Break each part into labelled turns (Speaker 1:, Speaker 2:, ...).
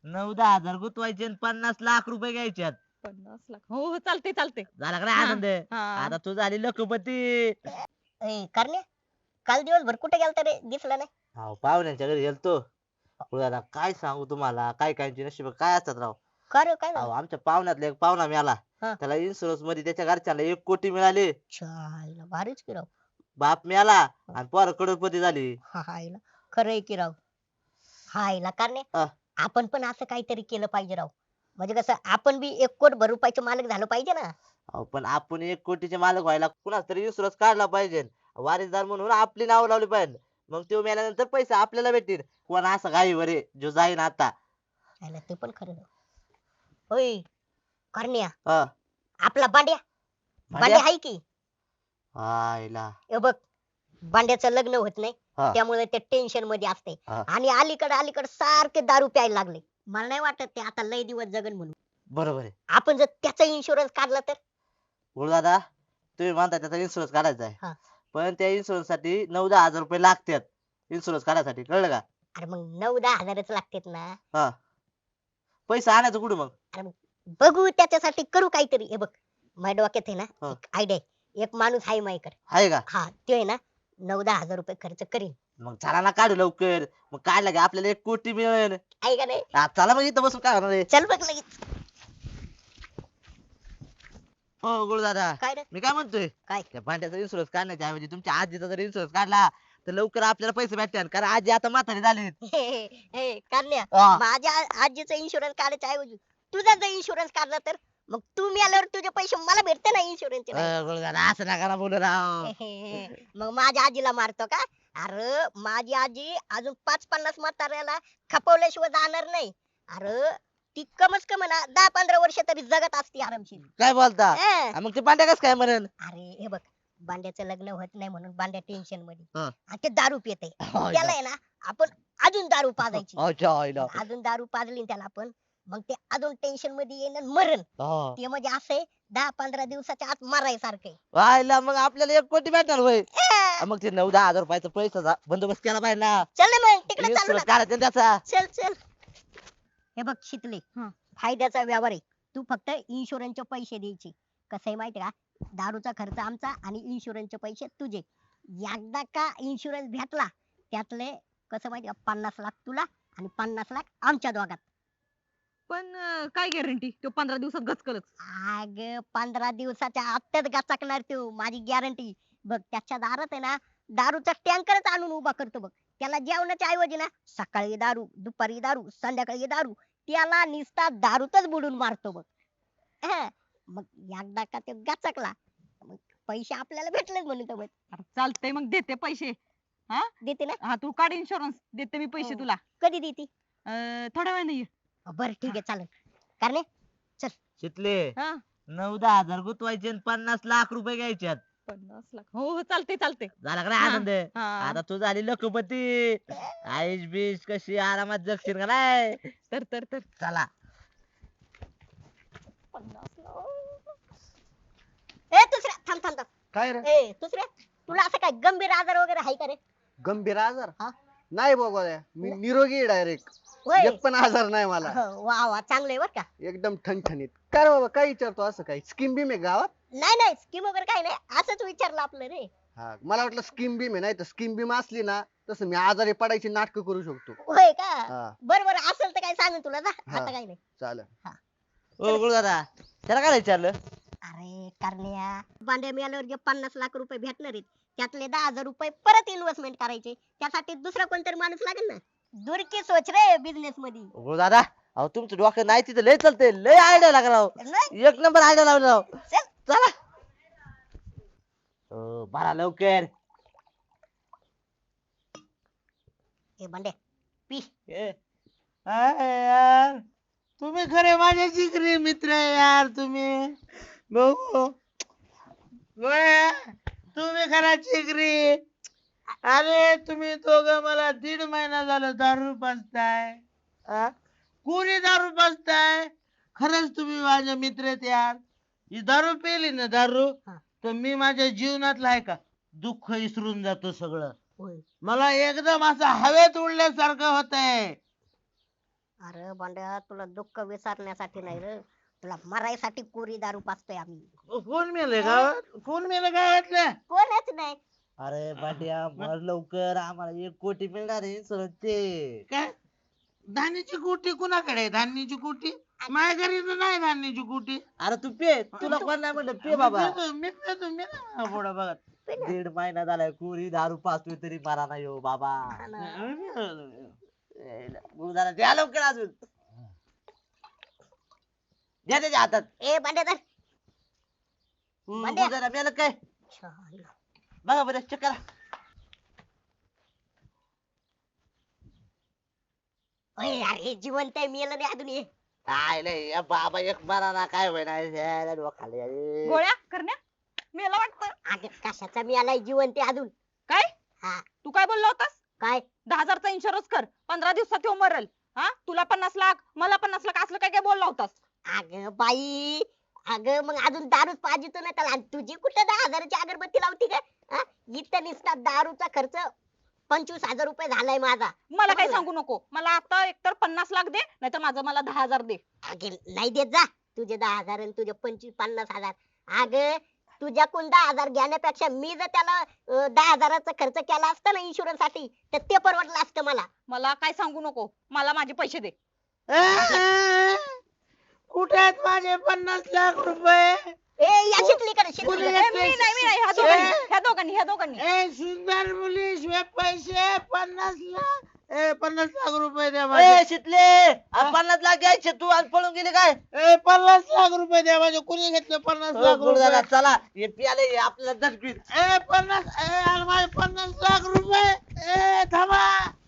Speaker 1: 9-10 हजार गुंतवायचे आणि 50 लाख रुपये घ्यायच्यात.
Speaker 2: 50 लाख हो हो चालते चालते.
Speaker 1: झाला का नाही
Speaker 2: हा
Speaker 1: आनंद?
Speaker 2: हा
Speaker 1: आता तू झाली लखपती.
Speaker 3: करण्या काल दिवसभर कुठे गेलता रे दिसला नाही.
Speaker 1: अहो पाहुण्यांच्या घरी गेलतो. दादा काय सांगू तुम्हाला, काय कायची नशीब काय असतात राव.
Speaker 3: का रे काय
Speaker 1: अहो
Speaker 3: झालं?
Speaker 1: आमच्या पाहुण्यातला एक पाहुणा मिळाला.
Speaker 3: हा.
Speaker 1: त्याला इन्शुरन्स मध्ये त्याच्या घरच्याला 1 कोटी मिळाले.
Speaker 3: छायला भारीच की राव.
Speaker 1: बाप मिळाला आणि पोरं करोडपती झाली.
Speaker 3: हायला खरंय की राव. हायला करण्या
Speaker 1: हा.
Speaker 3: आपण पण असं काहीतरी केलं पाहिजे राव. म्हणजे कसं आपण बी 1 कोट रुपयाचे मालक झालं पाहिजे ना.
Speaker 1: अहो पण आपण 1 कोटीचे मालक व्हायला कुणाच तरी इन्शुरन्स काढला पाहिजे. वारीसदार म्हणून आपली नाव लावली पाहिजे. मग तो मेल्यानंतर पैसे आपल्याला भेटतील. कोण असं गाईवर आहे, जो जाईन आता.
Speaker 3: हायला ते पण खरं राव. होय करण्या
Speaker 1: हा.
Speaker 3: आपला बांड्या
Speaker 1: भांड्या?
Speaker 3: बांड्या आहे की.
Speaker 1: आईला.
Speaker 3: हे बघ बांड्याचं लग्न होत नाही
Speaker 1: हा.
Speaker 3: त्यामुळे ते टेन्शन मध्ये असते
Speaker 1: हा.
Speaker 3: आणि अलीकडे सारखे दारू प्यायला लागले. मला नाही वाटत ते आता लय दिवस जगन म्हणून.
Speaker 1: बरोबर आहे.
Speaker 3: आपण जर त्याचा इन्शुरन्स काढला तर.
Speaker 1: दादा तुम्ही म्हणता त्याचा इन्शुरन्स काढायचा
Speaker 3: हा.
Speaker 1: आहे. पण त्या इन्शुरन्स साठी 9-10 हजार रुपये लागतात. इन्शुरन्स काढायसाठी कळलं का?
Speaker 3: अरे मग 9-10 हजारच लागतात ना.
Speaker 1: हा. पैसा आणायचं कुठं मग?
Speaker 3: बघू त्याच्यासाठी करू काहीतरी. हे बघ माझ्या डोक्यात आहे ना
Speaker 1: हा.
Speaker 3: एक आयडिया. एक माणूस आहे माझ्याकडे.
Speaker 1: आहे का?
Speaker 3: हा ते आहे ना 9-10 हजार रुपये खर्च करीन.
Speaker 1: मग चला ना काढू लवकर. मग काढला की आपल्याला 1 कोटी मिळेल.
Speaker 3: आहे का नाही.
Speaker 1: चला मग इथं बसून काय होणार आहे?
Speaker 3: चल बघ लगेच.
Speaker 1: हो गुरुदादा
Speaker 3: काय रे
Speaker 1: मी काय म्हणतोय,
Speaker 3: काय?
Speaker 1: त्या भांड्याचा इन्शुरन्स काढण्याच्या ऐवजी तुमच्या आजीचा जर इन्शुरन्स काढला तर लवकर आपल्याला पैसे भेटतील. कारण आजी आता म्हातारी झाली.
Speaker 3: हे करण्या
Speaker 1: हा.
Speaker 3: माझ्या आजीचा इन्शुरन्स काढायच्या ऐवजी तुझा जर इन्शुरन्स काढला तर मग तू मिळाल्यावर तुझे पैसे मला भेटते ना इन्शुरन्सचे.
Speaker 1: गुरुदादा असं नका ना बोलू राव.
Speaker 3: मग माझ्या आजीला मारतो का. अरे माझी आजी अजून 5-50 म्हाताऱ्याला खपवल्याशिवाय जाणार नाही. अरे ती कमच कम ना 10-15 वर्ष तरी जगत असती आरामशीर.
Speaker 1: काय बोलता?
Speaker 3: अं.
Speaker 1: मग ते भांड्या कसं काय म्हणेन?
Speaker 3: अरे हे बघ बांड्याचं लग्न होत नाही म्हणून बांड्या टेन्शन मध्ये
Speaker 1: हा.
Speaker 3: आणि ते दारू पिते.
Speaker 1: हो,
Speaker 3: त्याला आहे ना आपण अजून दारू पाजायची.
Speaker 1: अच्छा, आईला.
Speaker 3: अजून दारू पाजली ना त्याला आपण मग ते अजून टेन्शन मध्ये येईन आणि मरण.
Speaker 1: हा.
Speaker 3: ते म्हणजे असे 10-15 दिवसाच्या आत मरायसारखे.
Speaker 1: आईला मग आपल्याला 1 कोटी भेटणार होय. मग ते 9-10 हजार रुपयाचा पैसा बंदोबस्त केला पाहिजे ना.
Speaker 3: चल ना मग तिकडे चालू
Speaker 1: इन्शुरन्स
Speaker 3: ना.
Speaker 1: काढायचा ना त्याचा.
Speaker 3: चल चल. हे बघ शिकले
Speaker 2: हा.
Speaker 3: फायद्याचा व्यवहार आहे. तू फक्त इन्शुरन्सचे पैसे द्यायचे. कसं आहे माहिती का दारूचा खर्च आमचा आणि इन्शुरन्सचे पैसे तुझे. एकदा का इन्शुरन्स भेटला त्यातले कसं माहिती का 50 लाख तुला आणि 50 लाख आमच्या दोघात.
Speaker 2: पण काय गॅरंटी तो 15 दिवसात गचकलच.
Speaker 3: अग 15 दिवसाच्या आतच गचकणार तू माझी गॅरंटी. बघ त्याच्या दारात आहे ना दारूचा टँकरच आणून उभा करतो बघ. त्याला जेवणाच्या ऐवजी ना सकाळी दारू दुपारी दारू संध्याकाळी दारू त्याला निस्ता दारूतच बुडून मारतो बघ. हं. मग एकदा का ते गचकला मग पैसे आपल्याला भेटलेच म्हणतो बघ.
Speaker 2: अरे चालतंय मग देते पैसे.
Speaker 3: देते ना.
Speaker 2: हा तू काढ इन्शुरन्स देते मी पैसे
Speaker 3: हो.
Speaker 2: तुला.
Speaker 3: कधी देते.
Speaker 2: थोड्या वेळाने ये.
Speaker 3: बर ठीक आहे चालेल. कारण
Speaker 1: शितले
Speaker 2: हा
Speaker 1: 9-10 हजार गुंतवायचे आणि 50 लाख रुपये घ्यायच्यात.
Speaker 2: 50 लाख हो हो चालते चालते.
Speaker 1: झाला का नाही
Speaker 2: हा.
Speaker 1: आनंद?
Speaker 2: हा.
Speaker 1: आता तू झाली लखपती. आईश बीश कशी आरामात जगशील का नाही.
Speaker 2: तर
Speaker 1: चला
Speaker 2: 50 लाख.
Speaker 3: ए दुसऱ्या थांब थांब थांब.
Speaker 4: काय रे
Speaker 3: ए दुसऱ्या तुला असं काय गंभीर आजार वगैरे आहे का रे.
Speaker 4: गंभीर आजार
Speaker 3: हा?
Speaker 4: नाही बाबा मी निरोगी डायरेक्ट.
Speaker 3: होय.
Speaker 4: एक पण आजार नाही मला.
Speaker 3: हो, वा वा चांगलं आहे बर का.
Speaker 4: एकदम ठणठणीत. काय रे बाबा काय विचारतो असं काय स्कीम बीम आहे गावात?
Speaker 3: नाही नाही स्कीम वगैरे काही नाही असंच विचारलं आपलं रे.
Speaker 4: हा मला वाटलं स्कीम बीम आहे. नाही तर स्कीम बीम असली ना तसं मी आजारी पडायची नाटकं करू शकतो.
Speaker 3: होय का.
Speaker 4: हा
Speaker 3: बर बर असेल तर काय सांगेन तुला जा.
Speaker 4: हा.
Speaker 3: आता काही नाही.
Speaker 4: चालेल.
Speaker 1: ओ गुरुदादा त्याला काय विचारलं?
Speaker 3: अरे करण्या बांड्या मिळाल्यावर जे 50 लाख रुपये भेटणार आहेत त्यातले 10 हजार रुपये परत इन्व्हेस्टमेंट करायचे. त्यासाठी दुसरा कोणतरी माणूस लागेल ना. दुरकी सोच रे बिझनेस मध्ये.
Speaker 1: गुरुदादा अहो तुमचं डोकं नाही तिथं लय चालते. लय आयडिया लागला राव.
Speaker 3: नाही?
Speaker 1: 1 नंबर आयडिया लावला राव.
Speaker 3: चल.
Speaker 1: चला बरा लवकर.
Speaker 3: ए बांड्या पी.
Speaker 1: यार तुम्ही खरे माझे जिगरी मित्र आहे यार. तुम्ही भाऊ गोळ्या तुम्ही खरा जिगरी. अरे तुम्ही दोघं मला 1.5 महिना झालं दारू पाजताय. कोणी दारू पाजताय? खरंच तुम्ही माझे मित्र आहेत यार. ही दारू पेली ना दारू
Speaker 3: हा.
Speaker 1: तर मी माझ्या जीवनातलं आहे का दुःख विसरून जातो सगळं.
Speaker 3: होय.
Speaker 1: मला एकदम असं हवेत उडल्यासारखं होतंय.
Speaker 3: अरे बंड्या तुला दुःख विसरण्यासाठी नाही रे, तुला मरायसाठी कोरी दारू पाजतोय आम्ही.
Speaker 1: कोण मेले गावात? कोण मेलं गावातल्या?
Speaker 3: कोणच नाही.
Speaker 5: अरे भांड्या मर लवकर आम्हाला 1 कोटी मिळणार आहे इन्शुरन्स ते.
Speaker 1: काय धान्याची कुटी कुणाकडे आहे? धान्याची कुटी माझ्या घरी तर नाही धान्याची कुटी.
Speaker 5: अरे तू पे, तुला कोण नाही म्हणलं पे बाबा.
Speaker 1: मी पेतो मी नाही पुढे बघत.
Speaker 5: 1.5 महिना झालाय कोरी दारू पाचतोय तरी मारा नाही हो बाबा. जरा द्या लवकर अजून. द्या त्याच्या हातात.
Speaker 3: ए बंड्या धर. भांड्या.
Speaker 5: जरा मेलं काय
Speaker 3: छान.
Speaker 5: बघा बरं चेक करा.
Speaker 3: अरे अरे जिवंत आहे, मेलं नाही अजून हे.
Speaker 5: काय नाही या बाबा एक मारा ना काय होईना डोखाले अरे.
Speaker 2: गोळ्या करण्या मेला वाटतं.
Speaker 3: अगं कशाचा मेलाय, जिवंत आहे अजून.
Speaker 2: काय
Speaker 3: हा
Speaker 2: तू काय बोलला होतास?
Speaker 3: काय
Speaker 2: 10,000चा इन्शुरन्स कर, 15 दिवसात तो मरल. हा तुला 50 लाख मला 50 लाख असलं काय काय बोलला होतास?
Speaker 3: अगं बाई, अगं मग अजून दारूच पाहिजे तो नाही त्याला. आणि तुझी कुठे 10,000ची अगरबत्ती लावती का? हा? इथं नुसता दारूचा खर्च 25,000 रुपये झालाय माझा.
Speaker 2: मला काही सांगू नको. मला आता एकतर 50 लाख दे, नाहीतर माझं मला 10,000 दे.
Speaker 3: अगे नाही देत जा. तुझे 10,000 आणि तुझे 50,000. अगं तुझ्याकडून 10,000 घेण्यापेक्षा मी जर त्याला 10,000चा खर्च केला असता ना इन्शुरन्स साठी, तर ते परवडलं असतं मला.
Speaker 2: मला काय सांगू नको, मला माझे पैसे दे.
Speaker 1: कुठे आहेत माझे 50 लाख रुपये?
Speaker 3: ए या शिकलीकडे
Speaker 1: कुणी
Speaker 2: ए,
Speaker 3: शिकली.
Speaker 2: मी नाही ह्या दोघांनी.
Speaker 1: ए सुंदर मुली शिवाय पैसे 50 लाख. 50 लाख रुपये द्या
Speaker 5: ए
Speaker 1: माझे.
Speaker 5: शितले 50 लाख घ्यायचे तू आणि पळून गेली काय.
Speaker 1: 50 लाख रुपये द्या माझे. कुणी घेतले 50
Speaker 5: हो,
Speaker 1: लाख
Speaker 5: गुरुदादा,
Speaker 1: रुपये?
Speaker 5: चला हे पियाले आपल्याला दटकीत.
Speaker 1: 50 अरे माझे 50 लाख रुपये. थांबा.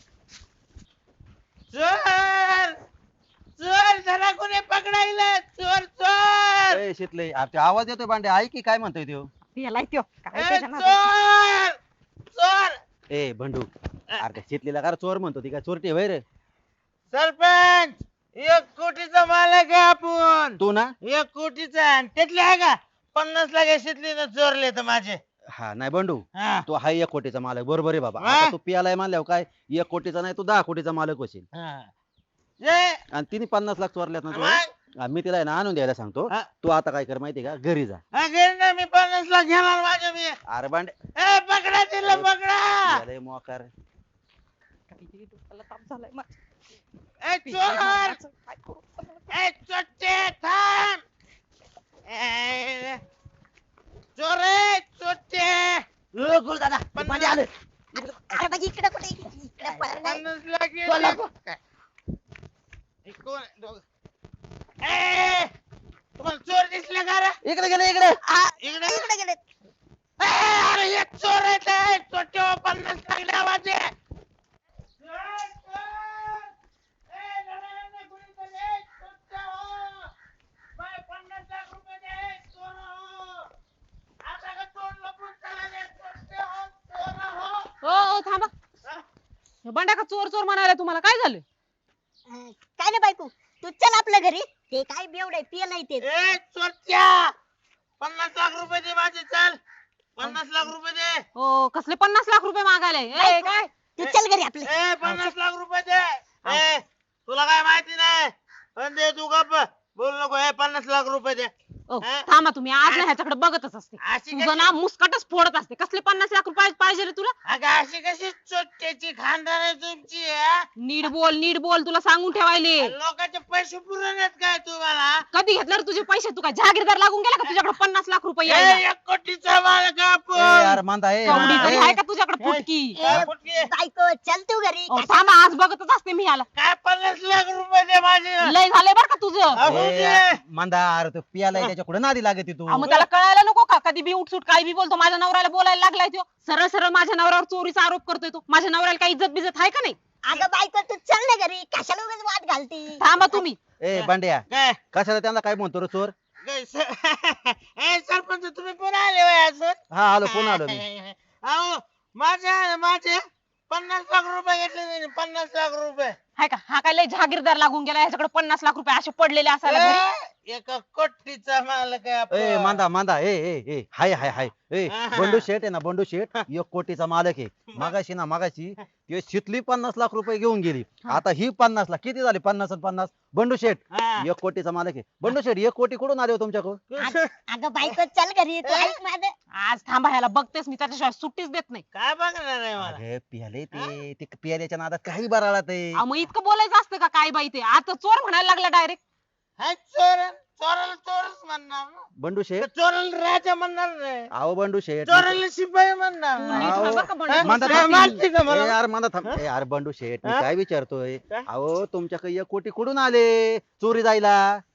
Speaker 1: चोर चोर धरा, कोणी पकडायला. चोर चोर.
Speaker 6: ए शितले अरे ते आवाज येतोय भांड्या ऐक की काय म्हणतोय त्यो.
Speaker 2: याला त्यो काय
Speaker 1: ए,
Speaker 2: त्याच्या नादात.
Speaker 1: चोर चोर.
Speaker 6: ए बंडू अरे त्या शितलीला का रे चोर म्हणतो ती काय चोरटी होय रे.
Speaker 1: सरपंच 1 कोटीचा मालक आहे आपण.
Speaker 6: तू ना
Speaker 1: 1 कोटीचा आणि त्यातले आहे का 50 लाख शितली चोरले तर माझे.
Speaker 6: हा नाही बंडू
Speaker 1: हा,
Speaker 6: तू हा 1 कोटीचा मालक बरोबर आहे बाबा.
Speaker 1: हा.
Speaker 6: आता तू पियालाय मानल्यावर काय 1 कोटीचा नाही तू 10 कोटीचा मालक होशील.
Speaker 1: हा. जे,
Speaker 6: आणि तिने 50 लाख चोरल्यात ना
Speaker 1: मग?
Speaker 6: तुला. मी तिला आहे ना आणून द्यायला सांगतो.
Speaker 1: हा.
Speaker 6: तू आता काय कर माहिती का घरी जा.
Speaker 1: हा, घे ना, मी 50 लाख घेणार माझे मी.
Speaker 6: अरे भांडे
Speaker 1: पकडा तिला पकडा.
Speaker 6: लय मोकार.
Speaker 2: काही डोक्याला ताप झालाय माझ्या.
Speaker 1: चोर.
Speaker 2: काय करू?
Speaker 1: चोट्टे थांब. चोर आहे चोट्टे.
Speaker 5: गुरुदादा मध्ये आलं.
Speaker 3: अरे बाई इकडे कुठे इकडे पळ नाही.
Speaker 1: 50 लाख
Speaker 5: चोर लागो.
Speaker 1: हे कोण आहे? दोघं. तुम्हाला चोर दिसले का रे?
Speaker 5: इकडे गेले इकडे.
Speaker 1: इकडे
Speaker 3: इकडे गेले.
Speaker 1: अरे हे चोर आहेत. चोट्टे 50 लाख द्या माझे. चोर, चोर. लढायला कोणीतरी. चोट्टे हो. माझे 50 लाख रुपये दे. चोर हो. आता का चोर लपून चालले? चोट्टे हो. चोर हो.
Speaker 2: हो थांबा. हे बंड्या का चोर चोर म्हणाले तुम्हाला काय झालं?
Speaker 3: काय नाही बायको, तू चल आपल्या घरी. ते काय बेवडे पियलाय ते.
Speaker 1: ए चोरट्या 50 लाख रुपये दे माझे. चल 50 लाख रुपये दे.
Speaker 2: हो कसले 50 लाख रुपये मागायले? ए काय
Speaker 3: तू चल घरी आपल्या.
Speaker 1: 50 लाख रुपये दे. तुला काय माहिती नाही. पण दे तू गप्प बोलू नको. 50 लाख रुपये दे.
Speaker 2: ओ,
Speaker 1: हा?
Speaker 2: थांबा तुम्ही आज ना ह्याच्याकडे बघतच असते.
Speaker 1: अशी
Speaker 2: तुझं
Speaker 1: कशी
Speaker 2: ना मुस्कटच फोडत असते. कसले 50 लाख रुपये पाहिजे रे तुला?
Speaker 1: अगं अशी कशी चोट्ट्याची खानदार आहे तुमची हा?
Speaker 2: नीट बोल तुला सांगून ठेवायले.
Speaker 1: लोकांचे पैसे पुरवण्यात काय तुम्हाला?
Speaker 2: कधी घेतलं रे तुझे पैसे? तू काय जहागीरदार लागून गेला का तुझ्याकडे 50 लाख रुपये यायला?
Speaker 1: 1 कोटीचा मालक
Speaker 6: ए
Speaker 1: आपण.
Speaker 6: यार मांदा ए
Speaker 2: कवडी
Speaker 6: मांदा,
Speaker 2: तरी
Speaker 6: ए.
Speaker 2: आहे का तुझ्याकडे फुटकी?
Speaker 3: ए,
Speaker 1: फुटके.
Speaker 3: बायको चल तू घरी.
Speaker 2: ओ, थांबा आज बघतच असते मी याला.
Speaker 1: काय 50 लाख रुपये दे माझे.
Speaker 2: लय झालंय बरं का तुझं.
Speaker 1: अहो,
Speaker 6: ए,
Speaker 1: दे.
Speaker 6: यार, मांदा अरे तो पियालाय त्याच्या कुठे नादी लागते तू.
Speaker 2: मग त्याला कळायला नको का? कधी बी उठसूट काय बी बोलतो. माझ्या नवऱ्याला बोलायला लागलाय तो. सरळ सरळ माझ्या नवऱ्यावर चोरीचा आरोप करतोय तो. माझ्या नवऱ्याला काही इज्जत बिजत आहे का नाही?
Speaker 3: अगं बायको तू चल ना घरी. कशाला उगाच वाद घालती.
Speaker 2: थांबा तुम्ही.
Speaker 6: ए बांड्या
Speaker 1: काय
Speaker 6: कशाला त्यांना काय म्हणतो रे चोर.
Speaker 1: काय सरपंच तुम्ही पुन्हा आले होय अजून.
Speaker 6: हा आलो फोन आलो मी.
Speaker 1: अहो माझे 50 लाख रुपये घेतले त्यांनी. 50 लाख रुपये.
Speaker 2: हाय का? हा काय लय जहागीरदार लागून गेला. ह्याच्याकडे 50 लाख रुपये असे पडलेले असायला घरी.
Speaker 1: एका कोटीचा मालक आहे
Speaker 6: ए
Speaker 1: आपण.
Speaker 6: मांदा मांदा ए ए ए हाय हाय हाय ए
Speaker 1: हा.
Speaker 6: बंडू शेठ आहे ना बंडू शेठ 1 कोटीचा मालक आहे. मागाशी ते शितली 50 लाख रुपये घेऊन गेली. आता ही 50 लाख किती झाले 50 आणि 50 बंडू शेठ
Speaker 1: हा.
Speaker 6: 1 कोटीचा मालक आहे. बंडू शेठ 1 कोटी कुठून आले हो तुमच्याकडे?
Speaker 3: अगं बायको चल घरी तू ऐक माझं.
Speaker 2: आज थांबा ह्याला बघतेस मी त्याच्याशिवाय सुट्टीच देत नाही.
Speaker 1: काय बघणार आहे मला?
Speaker 6: अरे पियाले ते पियाल्याच्या नादात काही बराळा ते
Speaker 2: अहो, मग इतकं बोलायचं असतं का काय बाई ते आता चोर म्हणायला लागला डायरेक्ट.
Speaker 1: हाय चोराला चोरच म्हणणार ना.
Speaker 6: बंडू
Speaker 1: का
Speaker 6: शेठ
Speaker 1: चोराला राजा म्हणणार नाही.
Speaker 6: आहो बंडू शेठ
Speaker 1: चोराला शिपाई म्हणणार
Speaker 2: तू
Speaker 1: नाही.
Speaker 2: नीट
Speaker 6: अहो,
Speaker 2: म्हण बरं का बंडू.
Speaker 1: हा?
Speaker 6: मांदा
Speaker 1: काय
Speaker 6: थांब.
Speaker 1: मारते का
Speaker 6: ए,
Speaker 1: मला?
Speaker 6: यार मांदा थांब ए, यार बंडू शेठ मी
Speaker 1: हा?
Speaker 6: काय विचारतोय
Speaker 1: काय?
Speaker 6: अहो तुमच्याकडे 1 कोटी कुठून आले चोरी जायला?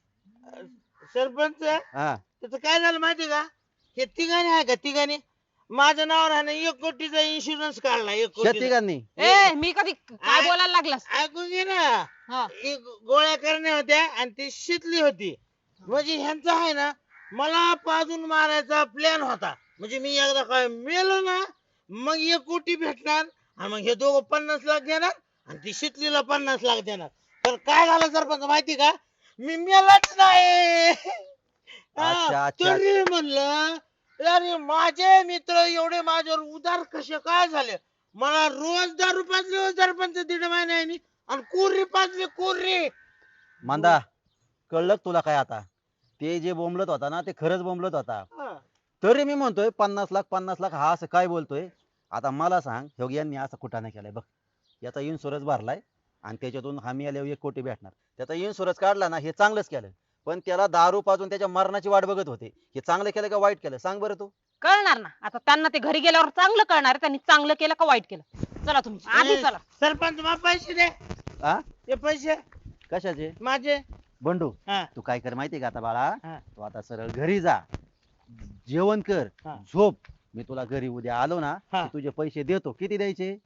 Speaker 1: सरपंच
Speaker 6: हा
Speaker 1: त्याचं काय झालं माहिती का? हे तिघांनी आहे का तिघांनी माझ्या नावावर आहे ना 1 कोटीचा इन्शुरन्स काढला 1 कोटी.
Speaker 6: शेतिकांनी
Speaker 2: ए मी कधी काय बोलायला लागलास?
Speaker 1: ऐकून घे ना.
Speaker 2: हा.
Speaker 1: एक गोळ्या करण्या होत्या आणि ती शितली होती. म्हणजे ह्यांचा आहे ना मला पाजून मारायचा प्लॅन होता. म्हणजे मी एकदा काय मेलो ना मग 1 कोटी भेटणार आणि मग हे दोघं 50 लाख देणार आणि ती शितलीला 50 लाख देणार. तर काय झालं सरपंच माहिती का? मी मेलाच नाही.
Speaker 6: अच्छा, अच्छा.
Speaker 1: तरी म्हणलं अरे माझे मित्र एवढे माझ्यावर उदार कसे काय झाले? मला रोज दारू पाजली हो सरपंच 1.5 महिन्यानी आणि कोर्री पाजली कोर्री.
Speaker 6: मांदा कळलं का तुला काय आता? ते जे बोंबलत होता ना ते खरंच बोंबलत होता.
Speaker 1: हा.
Speaker 6: तरी मी म्हणतोय 50 लाख हा असं काय बोलतोय? आता मला सांग ह्यो यांनी असं कुठाने केलाय बघ. याचा इन्शुरन्स भरलाय आणि त्याच्यातून हमी आल्यावर 1 कोटी भेटणार. त्याचा इन्शुरन्स काढला ना हे चांगलंच केलं. पण त्याला दारू पाजून त्याच्या मरणाची वाट बघत होते. हे चांगलं केलं का वाईट केलं सांग बरं तू?
Speaker 2: कळणार ना आता त्यांना ते घरी गेल्यावर चांगलं कळणार आहे, त्यांनी चांगलं केलं का वाईट केलं. चला तुम्ही आधी चला.
Speaker 1: सरपंच मला पैसे दे.
Speaker 6: आ
Speaker 1: ते पैसे
Speaker 6: कशाचे?
Speaker 1: माझे.
Speaker 6: बंडू
Speaker 1: हा.
Speaker 6: तू काय कर माहितीये का आता बाळा?
Speaker 1: हा.
Speaker 6: तू आता सरळ घरी जा जेवण कर
Speaker 1: हा.
Speaker 6: झोप. मी तुला घरी उद्या आलो ना
Speaker 1: हा.
Speaker 6: की तुझे पैसे देतो. किती द्यायचे?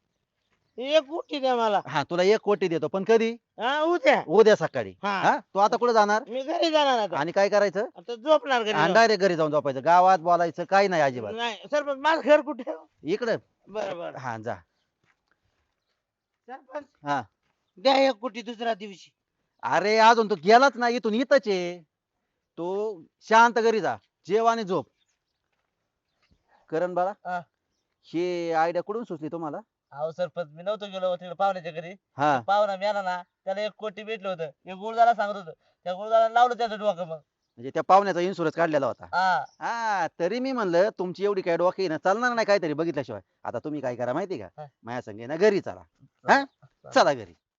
Speaker 1: 1 कोटी द्या मला.
Speaker 6: हा तुला 1 कोटी देतो पण कधी?
Speaker 1: हा उद्या.
Speaker 6: उद्या सकाळी.
Speaker 1: हा.
Speaker 6: हा तू आता कुठे जाणार
Speaker 1: मी घरी जाणार आता.
Speaker 6: आणि काय करायचं?
Speaker 1: आता झोपणार घरी जाऊन.
Speaker 6: डायरेक्ट घरी जाऊन झोपायचं. गावात बोलायचं काही नाही अजिबात.
Speaker 1: नाही सरपंच माझं घर कुठे आहे?
Speaker 6: इकडे
Speaker 1: बरं बरं.
Speaker 6: हा जा.
Speaker 1: सरपंच
Speaker 6: हा
Speaker 1: द्या 1 कोटी दुसऱ्या दिवशी.
Speaker 6: अरे अजून तू गेलाच नाही इथून इथंच आहे. तू शांत घरी जा जेव आणि झोप. करण बाळा
Speaker 5: हा.
Speaker 6: ही आयडिया कुठून सुचली तुम्हाला?
Speaker 5: अहो सरपंच मी नव्हतो गेलो तिकडे पाहुण्याच्या घरी.
Speaker 6: हा
Speaker 5: पाहुणा मिळाला ना त्याला 1 कोटी भेटलं होतं. एक गुरुदारा सांगत होतं त्या गुरुदारा लावलं त्याचं डोकं मग.
Speaker 6: म्हणजे त्या पाहुण्याचा इन्शुरन्स काढलेला होता.
Speaker 5: हा
Speaker 6: हा तरी मी म्हणलं तुमची एवढी काय डोकी ना चालणार नाही काहीतरी बघितल्याशिवाय. आता तुम्ही काय करा माहिती का?
Speaker 5: हा.
Speaker 6: माझ्या संगे ना घरी चला. हा चला घरी.